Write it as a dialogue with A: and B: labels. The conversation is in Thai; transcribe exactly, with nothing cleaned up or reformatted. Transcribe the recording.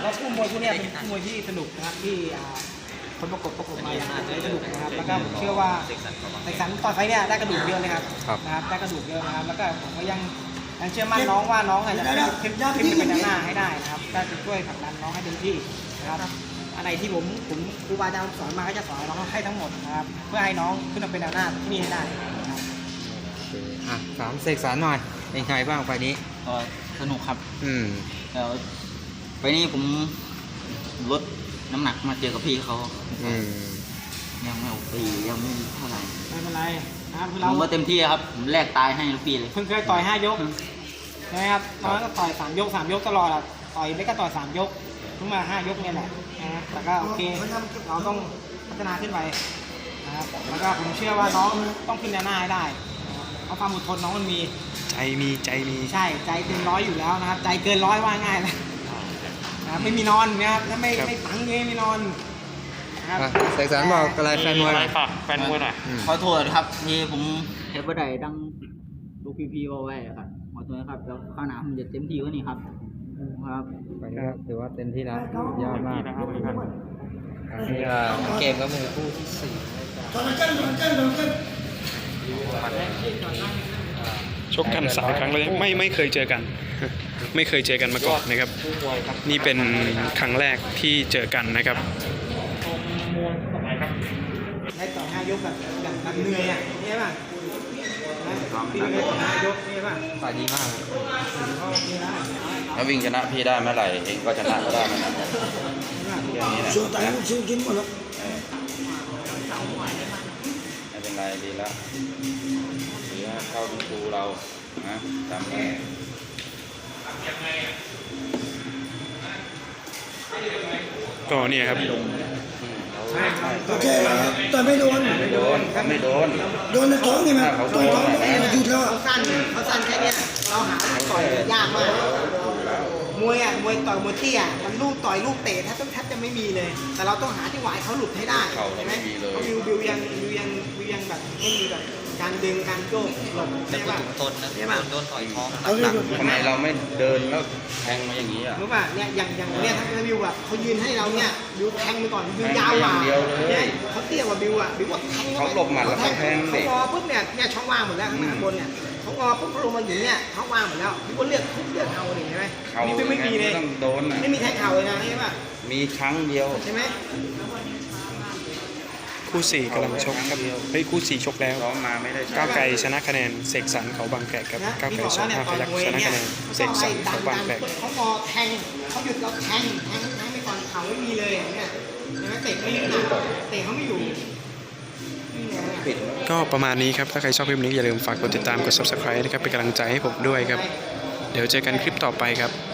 A: ราะคู่มวยคู่นี้เป็นคู่มวยที่สนุกนะครับที่คนประกบประกบมาอย่างอาจจะได้สนุกนะครับแล้วก็ผมเชื่อว่าเสกสรรต่อไฟเนี่ยได้กระดูกเยอะเลยครับนะครับได้กระดูกเยอะนะครับแล้วก็ผมก็ยังยังเชื่อมั่นน้องว่าน้องอาจจะขึ้นขึ้นไปด้านหน้าให้ได้นะครับก็จะช่วยผลักดันน้องให้เต็มที่นะครับอะไรที่ผมผมครูบาอาจารย์สอนมาก็จะสอนน้องให้ทั้งหมดนะครับเพื่อให้น้องขึ้นมาเป็นแนวหน้าที่นี่ให้ได้นะครับ
B: อ่ะสามเสกสรรหน่อยเป็นไงบ้างไฟนี้
C: ก็สนุกครับ
B: อืม
C: แล้วไฟนี้ผมลดน้ำหนักมาเจอกับพี่เขา
B: อืม
C: ยังไม่โอเคยังไม่เท่าไหร่
A: ไม่เป็นไรนะครับ
C: ผมว่าเต็มที่ครับผมแลกตายให้ลูกพี่เลย
A: เพิ่งเคยต่อยห้ายกใช่ไหมครับตอนนั้นก็ต่อยสามยกสามยกตลอดอะต่อยไม่ก็ต่อยสามยกเพิ่งมาห้ายกเนี่ยแหละนะแต่ก็โอเคเราต้องพัฒนาขึ้นไปนะครับแล้วก็ผมเชื่อว่าน้องต้องขึ้นแนวหน้าให้ได้เพราะความอดทนน้องมันมี
B: ใจมีใจมี
A: ใช่ใจเต็มร้อยอยู่แล้วนะครับใจเกินร้อยว่าง่ายเลยนะไม่มีนอนนะครับถ้าไม่ไม่ตังเงี้ยไม่นอน
B: เสกสรรบอกอะไรแฟนมวย
D: ฝากแฟนมวยหน่อย
C: ขอโทษครับที่ผมเทปบันไดดังลูกพี่ๆเอาไว้ครับขอโทษครับแล้วข้าวหนาผมจะเต็มที่กว่านี้ครับครับ
B: ไปครับถือว่าเต็มที่แล้วยอดมากนี่เกมก็มือคู่ที่สี่
D: ชกกันสามครั้งเลยไม่ไม่เคยเจอกันไม่เคยเจอกันมาก่อนนะครับนี่เป็นครั้งแรกที่เจอกันนะครับ
A: ได้ต่อห้ายกแบบแบบเหนื่อยอ่ะใช่ป่ะพี่ได้ต่อห้ายกใช่ป่ะ
B: ฝ่ายดีมาก
E: ถ้าวิ่งชนะพี่ได้เมื่อไหร่เองก็ชนะก็ได้เหมือนกันอย่างนี้แหละชูตายชูกินหมดแล้วไม่เป็นไรดีแล้วหรือเข้าดูเรานะจำไว้
D: ก็เนี่ยครับ
E: โอเคแต่ไม่โดนไม่โดนเขาไม่โดนโดนในท้องนี่มั้ยเขาโดนหยุดแล้ว
A: เขาสั้นเขาสั้นแค่นี้เราหาต่อยยากมากมวยอ่ะมวยต่อยมวยเตี้ยมันลูกต่อยลูกเตะแทบแทบจะไม่มีเลยแต่เราต้องหาที่หวายเขาหลุดให้ได้ใช่ไหมบิวบิวยังบิวยังบิวยังแบบไม่มีแบบการดึงการโยกหลบใช่ป่ะ
C: ต้นนะใช่ป่ะโดนต่อยท้อง
E: ทำไมเราไม่เดินแล้วแทงมาอย่างนี้อ่ะ
A: รู้ป่ะเนี่ยอย่างอย่างเนี่ยถ้าบิวอ่ะเขายืนให้เราเนี่ยบิวแทงไปก่อนบิวยาวกว่าเนี่ยเขาเตี้ยกว่าบิวอ่ะบิวว่าแทง
E: เขาหลบหมัดแล้วแทง
A: เขางอปุ๊บเนี่ยเนี่ยช่องว่างหมดแล้วข้างบนเนี่ยเขางอปุ๊บเขาลงมาอยู่เนี่ยเขาว่างหมดแล้วบิวก็เลือกทุกเลือกเอาเลยใช่ไหมบิวไม่มีเลย
E: ต้องโดน
A: ไม่มีแทงเข่าเลยนะใช่ป่ะ
E: มีครั้งเดียว
A: ใช่ไหม
D: คู่สี่กำลังชกครับเฮ้ยคู่สี่ชกแล้วก้าวไกลชนะคะแนนเสกสรรเขาบางแกะครับก้าวไกลสองห้าพยัคฆ์ชนะคะแนนเสกสรรเขาบางแกะ
A: เขางอแทงเขาหยุดเราแทงแทงแทงไปก่อนเข่าไม่มีเลยเนี่ยใช่ไหมเตะไม่หนักเตะเขาไม่อยู่
D: ก็ประมาณนี้ครับถ้าใครชอบคลิปนี้อย่าลืมฝากกดติดตามกด ซับสไครบ์ นะครับเป็นกำลังใจให้ผมด้วยครับเดี๋ยวเจอกันคลิปต่อไปครับ